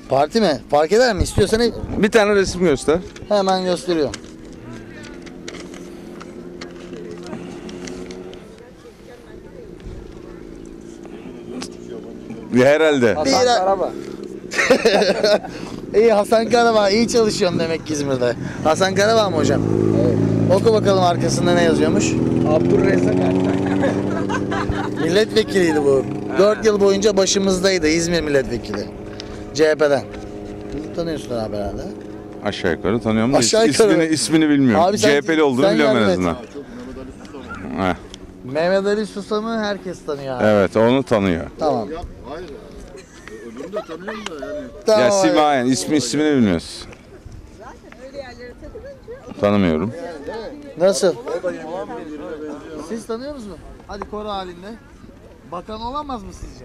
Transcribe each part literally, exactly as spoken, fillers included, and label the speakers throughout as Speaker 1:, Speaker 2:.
Speaker 1: Parti mi? Fark eder mi? İstiyorsan hep-
Speaker 2: Bir tane resim göster.
Speaker 1: hemen gösteriyorum.
Speaker 2: Herhalde.
Speaker 1: Hasan Karabağ. İyi Hasan Karabağ, iyi çalışıyorsun demek ki İzmir'de. Hasan Karabağ mı hocam? Evet. Oku bakalım arkasında ne yazıyormuş?
Speaker 3: Abdurrezzak Ertan.
Speaker 1: Milletvekiliydi bu. dört yıl boyunca başımızdaydı İzmir milletvekili. C H P'den. Bunu tanıyorsun abi herhalde.
Speaker 2: Aşağı yukarı tanıyorum da
Speaker 1: Aşağı
Speaker 2: ismini,
Speaker 1: yukarı.
Speaker 2: ismini bilmiyorum.
Speaker 1: Abi sen-
Speaker 2: C H P'li olduğunu
Speaker 1: sen
Speaker 2: biliyorum en
Speaker 1: yardım et.
Speaker 2: azından. Heh,
Speaker 1: Mehmet Ali Susam'ı herkes tanıyor abi.
Speaker 2: evet onu tanıyor.
Speaker 1: Tamam.
Speaker 4: Ya, hayır. Öbürünü de tanıyorum da yani.
Speaker 1: Tamam
Speaker 2: Ya
Speaker 1: abi.
Speaker 2: Simayen ismi ismini bilmiyoruz. Tanımıyorum.
Speaker 1: Nasıl? Siz tanıyor musunuz? Hadi koro halinde. Bakan olamaz mı sizce?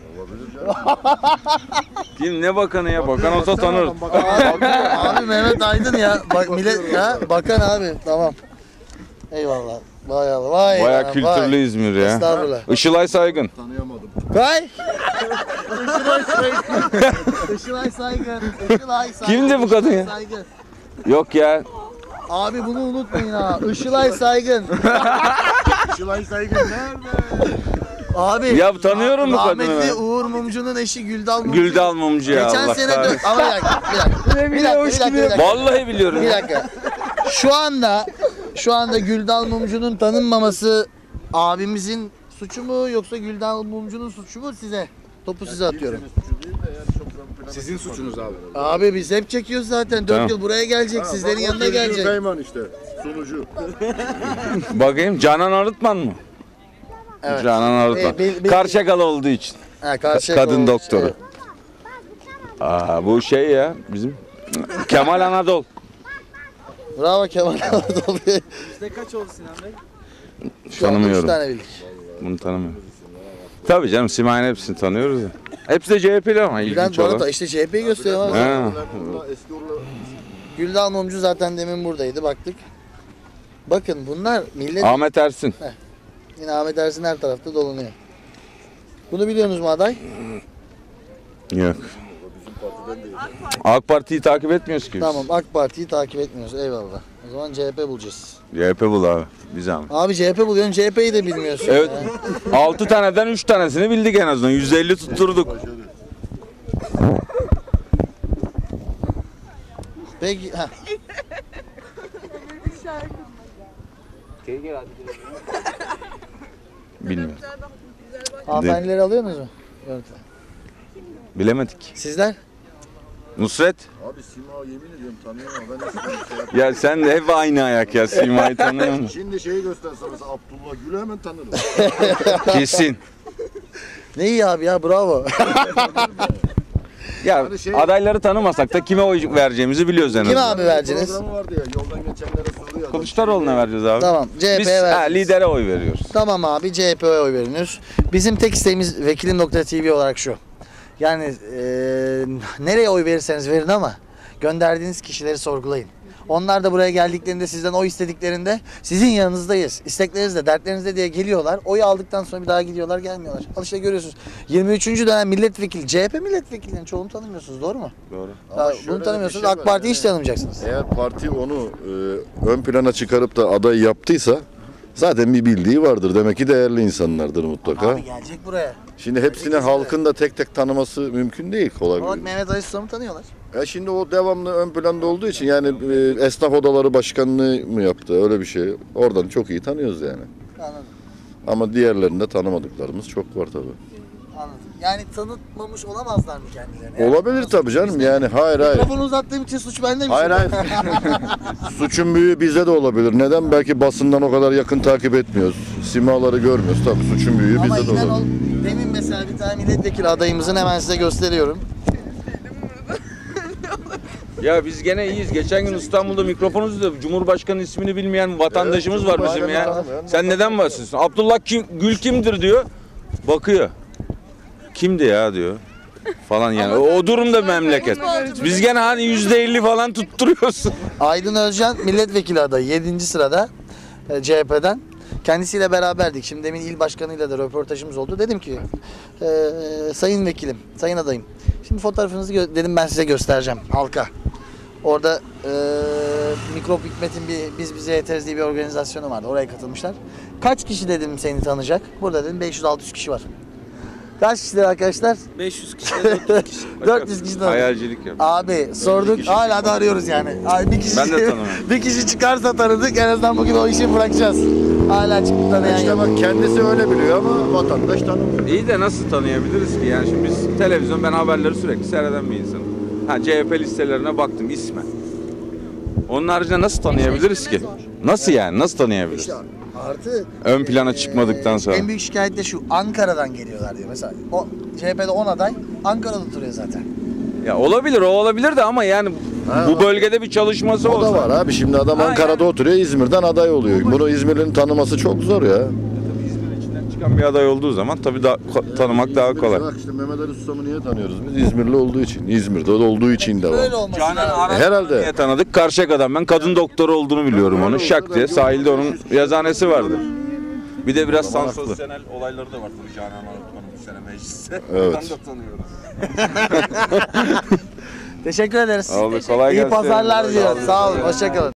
Speaker 2: Kim ne bakanı ya? Bakan olsa tanır.
Speaker 1: Abi, abi Mehmet Aydın ya. Bak millet ya bakan abi. Tamam. Eyvallah. Vay Allah. Vay.
Speaker 2: Baya
Speaker 1: ya,
Speaker 2: kültürlü
Speaker 1: vay.
Speaker 2: İzmir ya.
Speaker 1: Estağfurullah.
Speaker 2: Işılay Saygın.
Speaker 4: Tanıyamadım.
Speaker 1: Kay. Işılay Saygın. Işılay Saygın. Işılay Saygın.
Speaker 2: Kimdi bu kadın ya?
Speaker 1: Işılay Saygın.
Speaker 2: Yok ya.
Speaker 1: Abi bunu unutmayın ha. Işılay Saygın.
Speaker 4: Şılay Saygın nerede?
Speaker 1: Abi.
Speaker 2: Ya tanıyorum bu kadını
Speaker 1: Rahmetli
Speaker 2: ben.
Speaker 1: Uğur Mumcu'nun eşi Güldal Mumcu.
Speaker 2: Güldal Mumcu ya
Speaker 1: Geçen
Speaker 2: Allah
Speaker 1: sene dö-
Speaker 2: kahretsin.
Speaker 1: ama bir dakika, bir dakika. Bir dakika, bir dakika, bir dakika.
Speaker 2: Vallahi biliyorum.
Speaker 1: Bir dakika. Şu anda şu anda Güldal Mumcu'nun tanınmaması abimizin suçu mu yoksa Güldal Mumcu'nun suçu mu size? Topu size atıyorum.
Speaker 4: Sizin suçunuz abi.
Speaker 1: Abi biz hep çekiyoruz zaten. dört
Speaker 2: Tamam.
Speaker 1: yıl buraya gelecek. Sizlerin yanına gelecek.
Speaker 4: Kayman işte. Sunucu.
Speaker 2: Bakayım Canan Arıtman mı?
Speaker 1: Evet.
Speaker 2: Canan Arıtman.
Speaker 1: Ee, bil- bil-
Speaker 2: Karşıyakalı olduğu için.
Speaker 1: Ha, karşıya
Speaker 2: Kadın
Speaker 1: koymuş,
Speaker 2: doktoru.
Speaker 1: evet.
Speaker 2: Aa bu şey ya bizim Kemal Anadol.
Speaker 1: Bravo Kemal Anadolu.
Speaker 3: Sizde kaç oldu Sinan Bey?
Speaker 1: Şu anda üç
Speaker 2: Tanımıyorum.
Speaker 1: tane bildik.
Speaker 2: Bunu tanımıyorum. Tabii canım Simayen hepsini tanıyoruz ya. Hepsi de C H P'li ama
Speaker 1: Bülent
Speaker 2: ilginç olan.
Speaker 1: Barata işte C H P'yi gösteriyor ama.
Speaker 2: Ha.
Speaker 4: Eski orla.
Speaker 1: Güldal Mumcu zaten demin buradaydı baktık. Bakın bunlar millet
Speaker 2: Ahmet Ersin.
Speaker 1: yine Ahmet Ersin her tarafta dolanıyor. Bunu biliyorsunuz mu aday?
Speaker 2: Yok. AK Parti'yi takip etmiyoruz ki biz.
Speaker 1: Tamam AK Parti'yi takip etmiyoruz eyvallah. O zaman C H P bulacağız.
Speaker 2: C H P bul abi. Biz ama.
Speaker 1: Abi C H P buluyorsun C H P'yi de bilmiyorsun.
Speaker 2: Evet.
Speaker 1: ya.
Speaker 2: altı taneden üç tanesini bildik en azından. yüzde elli tutturduk.
Speaker 1: Peki ha.
Speaker 2: Bilmiyorum.
Speaker 1: Hanımefendileri alıyorsunuz mu? Görüntü.
Speaker 2: Bilemedik.
Speaker 1: Sizler?
Speaker 2: Nusret.
Speaker 4: Abi Sima yemin ediyorum tanıyorum ama ben de şimdi şey yapayım.
Speaker 2: Ya sen de hep aynı ayak ya. Sima'yı tanıyor musun?
Speaker 4: Şimdi şeyi göstersen mesela Abdullah Gül'ü hemen tanırım.
Speaker 2: Kesin.
Speaker 1: Ne iyi abi ya bravo.
Speaker 2: Ya
Speaker 4: Hani şey-
Speaker 2: adayları tanımasak da kime oy vereceğimizi biliyoruz en
Speaker 1: Kime
Speaker 2: azından.
Speaker 1: abi vereceğiniz?
Speaker 4: Programı vardı ya yoldan geçenlere soruyor.
Speaker 2: Kılıçdaroğlu'na vereceğiz abi.
Speaker 1: Tamam C H
Speaker 2: Biz
Speaker 1: P'ye
Speaker 2: ha,
Speaker 1: vereceğiz.
Speaker 2: lidere oy veriyoruz.
Speaker 1: Tamam abi C H P'ye oy veriyoruz. Bizim tek isteğimiz Vekilim nokta T V olarak şu. Yani eee nereye oy verirseniz verin ama gönderdiğiniz kişileri sorgulayın. Onlar da buraya geldiklerinde sizden oy istediklerinde sizin yanınızdayız. İsteklerinizde, dertlerinizde diye geliyorlar. Oyu aldıktan sonra bir daha gidiyorlar, gelmiyorlar. Al işte görüyorsunuz. yirmi üçüncü dönem milletvekili, C H P milletvekillerinin çoğunu tanımıyorsunşsunuz, doğru mu?
Speaker 2: Doğru.
Speaker 1: Ya,
Speaker 4: şöyle
Speaker 1: bunu
Speaker 4: de
Speaker 1: tanımıyorsunuz,
Speaker 4: bir şey
Speaker 1: AK
Speaker 4: var
Speaker 1: Parti'yi
Speaker 4: yani.
Speaker 1: hiç tanımayacaksınız.
Speaker 4: Eğer parti onu e, ön plana çıkarıp da aday yaptıysa zaten bir bildiği vardır. Demek ki değerli insanlardır mutlaka.
Speaker 1: Abi gelecek buraya.
Speaker 4: Şimdi hepsini halkın da tek tek tanıması mümkün değil kolay.
Speaker 1: Ama bak Mehmet Ali Susam'ı tanıyorlar.
Speaker 4: E şimdi o devamlı ön planda olduğu için yani e, esnaf odaları başkanlığı mı yaptı öyle bir şey. Oradan çok iyi tanıyoruz yani.
Speaker 1: Anladım.
Speaker 4: Ama diğerlerinde tanımadıklarımız çok var tabii.
Speaker 1: Anladım. Yani tanıtmamış olamazlar mı kendilerini? Yani
Speaker 4: Olabilir
Speaker 1: nasıl
Speaker 4: tabii
Speaker 1: suç
Speaker 4: canım
Speaker 1: bizde?
Speaker 4: yani hayır hayır.
Speaker 1: Mikrofonu uzattığım için suç bende mi?
Speaker 4: Hayır hayır. Suçun büyüğü bizde de olabilir. Neden? Belki basından o kadar yakın takip etmiyoruz. Simaları görmüyoruz. Tabii suçun büyüğü
Speaker 1: Ama
Speaker 4: bizde de
Speaker 1: inan ol,
Speaker 4: olabilir.
Speaker 1: demin mesela bir tane milletvekili adayımızın hemen size gösteriyorum.
Speaker 2: Ya biz gene iyiyiz. Geçen gün İstanbul'da mikrofonumuzda Cumhurbaşkanı ismini bilmeyen vatandaşımız var bizim ya.
Speaker 4: Cumhurbaşkanı-
Speaker 2: Sen neden bahsediyorsun? Abdullah kim, Gül kimdir diyor. Bakıyor. Kimdi ya diyor. Falan yani. O, o durumda memleket. Biz gene hani yüzde elli falan tutturuyorsun.
Speaker 1: Aydın Özcan milletvekili adayı yedinci sırada e, C H P'den. Kendisiyle beraberdik. Şimdi demin il başkanıyla da röportajımız oldu. Dedim ki e, sayın vekilim, sayın adayım. Şimdi fotoğrafınızı gö- dedim ben size göstereceğim halka. Orada e, Mikrop Hikmet'in bir Biz Bize Yeteriz diye bir organizasyonu vardı. Oraya katılmışlar. Kaç kişi dedim seni tanıyacak? Burada dedim beş yüz altı yüz kişi var. Kaç kişiler arkadaşlar?
Speaker 3: beş yüz kişi, dört yüz kişi.
Speaker 1: dört yüz kişi tanıdık.
Speaker 2: Hayalcilik yap.
Speaker 1: Abi sorduk hala da arıyoruz yani. Abi bir kişi
Speaker 2: Ben de tanımıyorum.
Speaker 1: bir kişi çıkarsa tanıdık en azından bugün o işi bırakacağız. Hala çıkıp tanıyan
Speaker 4: İşte
Speaker 1: yok.
Speaker 4: bak kendisi öyle biliyor ama vatandaş tanımıyor.
Speaker 2: İyi de nasıl tanıyabiliriz ki? Yani şimdi biz televizyon, ben haberleri sürekli seyreden bir insanım. Ha C H P listelerine baktım isme. Onun haricinde nasıl tanıyabiliriz ki? Nasıl yani? Nasıl tanıyabiliriz?
Speaker 1: İşte artı
Speaker 2: Ön plana
Speaker 1: eee,
Speaker 2: çıkmadıktan sonra.
Speaker 1: En büyük şikayet de şu Ankara'dan geliyorlar diyor. Mesela o C H P'de on aday Ankara'da oturuyor zaten.
Speaker 2: Ya olabilir, o olabilir de ama yani
Speaker 4: Ha,
Speaker 2: bu
Speaker 4: o-
Speaker 2: bölgede bir çalışması
Speaker 4: O
Speaker 2: olsa.
Speaker 4: da var abi. Şimdi adam
Speaker 2: Ha,
Speaker 4: Ankara'da
Speaker 2: yani.
Speaker 4: oturuyor, İzmir'den aday oluyor. Bunu İzmir'in tanıması çok zor ya.
Speaker 2: Tabii İzmir içinden çıkan bir aday olduğu zaman tabii daha, ko- tanımak daha
Speaker 4: İzmir'i
Speaker 2: kolay.
Speaker 4: Bak işte Mehmet Ali Susam'ı niye tanıyoruz biz? İzmirli olduğu için. İzmir'de olduğu için de
Speaker 1: Böyle
Speaker 4: var.
Speaker 1: olması
Speaker 2: Canan
Speaker 1: lazım.
Speaker 2: Arat
Speaker 4: Herhalde.
Speaker 2: diye tanıdık. Karşıyaka'dan ben kadın doktoru olduğunu biliyorum onu. Şak diye sahilde onun yazıhanesi vardı. Bir de biraz
Speaker 4: Tamam, haklı.
Speaker 2: sansasyonel olayları da var tabii Canan Arat'ın bu sene mecliste.
Speaker 4: Evet.
Speaker 2: Ben de tanıyorum.
Speaker 1: Teşekkür ederiz.
Speaker 2: Oldu, kolay
Speaker 1: İyi
Speaker 2: gelsin.
Speaker 1: pazarlar diliyorum. Sağ olun. Hoşçakalın.